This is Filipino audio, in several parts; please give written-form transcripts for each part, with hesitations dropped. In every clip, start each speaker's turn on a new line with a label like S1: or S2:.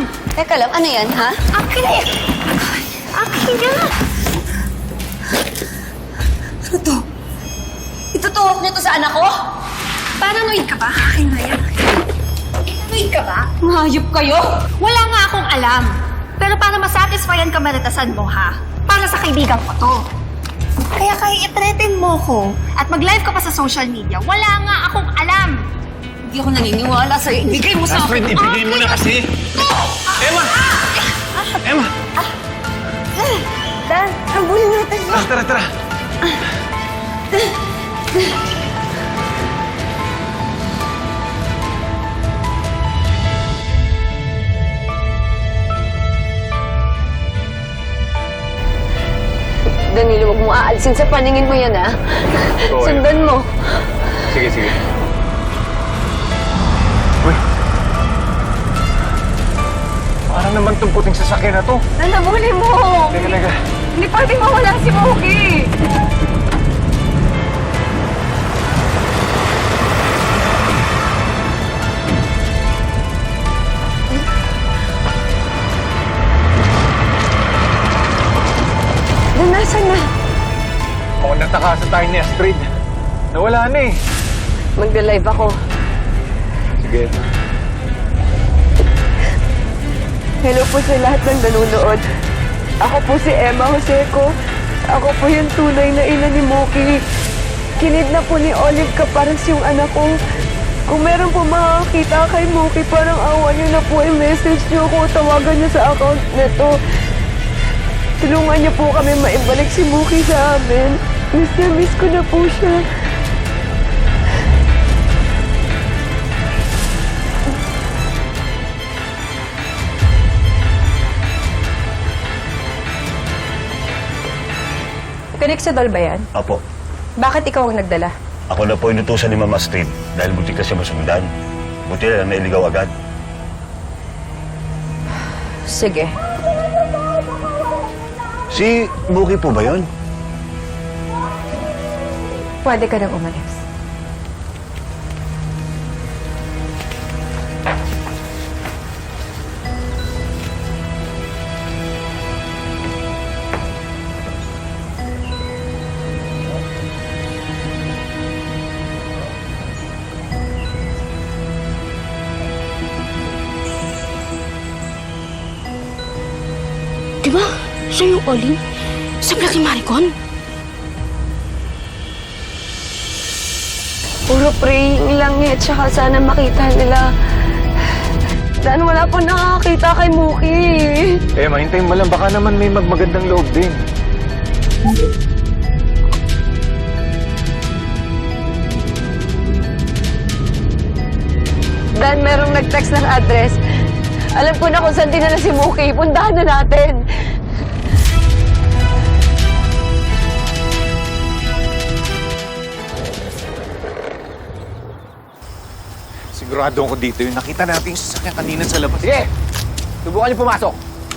S1: Teka lang, ano yan, ha?
S2: Akin na yan! Akin na!
S1: Ano to? Itutuhok niyo to sa anak ko?
S2: Paranoid ka ba? Akin na yan. Paranoid ka ba?
S1: Mahayop kayo!
S2: Wala nga akong alam. Pero para masatisfyan ka maritasan mo, ha? Para sa kaibigan ko to. Kaya i-threaten mo ko at mag-live ka pa sa social media, wala nga akong alam.
S1: Hindi ako naniniwala sa'yo. Ibigay mo sa akin.
S3: Astrid, ibigay mo na kasi! Emma! Emma!
S1: Dan, habulin natin.
S3: Tara, tara!
S1: Danilo, huwag mo aalisin sa paningin mo yan, ha?
S3: Oo,
S1: Sundan mo.
S3: Sige, sige. Uy! Parang naman itong puting sasakyan na to.
S1: Dan, habulin mo.
S3: Teka, teka.
S1: Hindi pwedeng mawala si Moki. Dan, nasan na?
S3: Mukhang natakasan tayo ni Astrid. Nawala na eh.
S1: Magda-live ako.
S3: Sige.
S4: Hello po sa lahat ng nanonood. Ako po si Emma Joseco. Ako po yung tunay na ina ni Moki. Kinidnap po ni Olive Caparas yung anak ko. Kung meron po makakita kay Moki, parang awa niyo na po i-message niyo ko. Tawagan niyo sa account nito. Tulungan niyo po kami maibalik si Moki sa amin. Miss na miss ko na po siya.
S5: Pinexidol ba yan?
S6: Apo,
S5: Bakit ikaw ang nagdala?
S6: ako na po inutusan ni Mama Astrid dahil buti ka siya masundan. Buti na lang nailigaw agad.
S5: Sige.
S6: Si Buki po ba yun?
S5: Pwede ka nang umalis.
S2: Diba? Siya yung Olin? Sa vlog ni Maricon?
S4: Puro praying lang eh. Tsaka sana makita nila. Dan, wala pa nakakita kay Moki.
S3: Emma, hintayin mo lang. Baka naman may magmagandang loob din.
S4: Dan, merong nag-text ng address. Alam ko na kung saan dinala si Moki. Puntahan na natin.
S3: Sigurado ako dito yung nakita natin yung sasakyan kanina sa labas. Sige! Subukan niyo pumasok.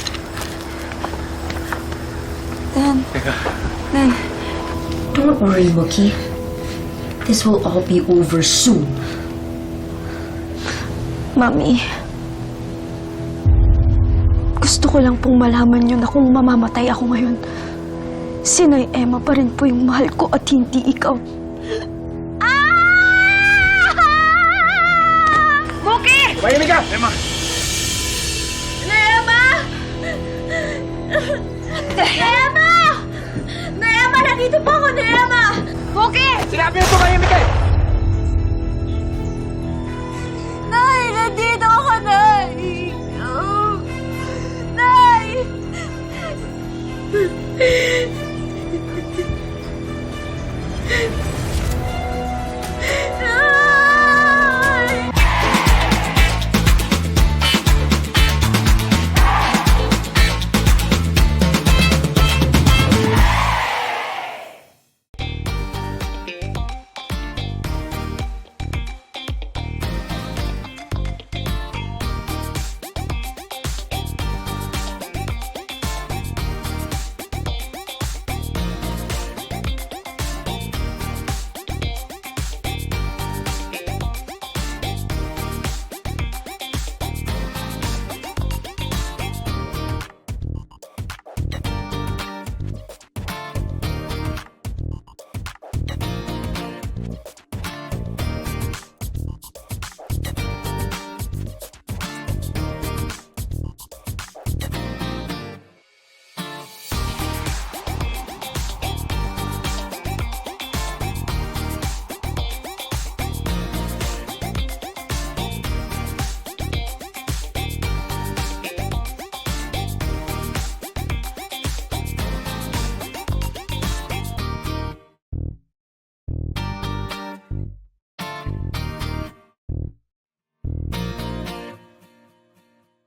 S7: Don't worry, Mookie. This will all be over soon.
S4: Mami, gusto ko lang pong malaman yun na kung mamamatay ako ngayon, si Nay Emma pa rin po yung mahal ko at hindi ikaw.
S2: Moki!
S3: Mahinig ka! Emma!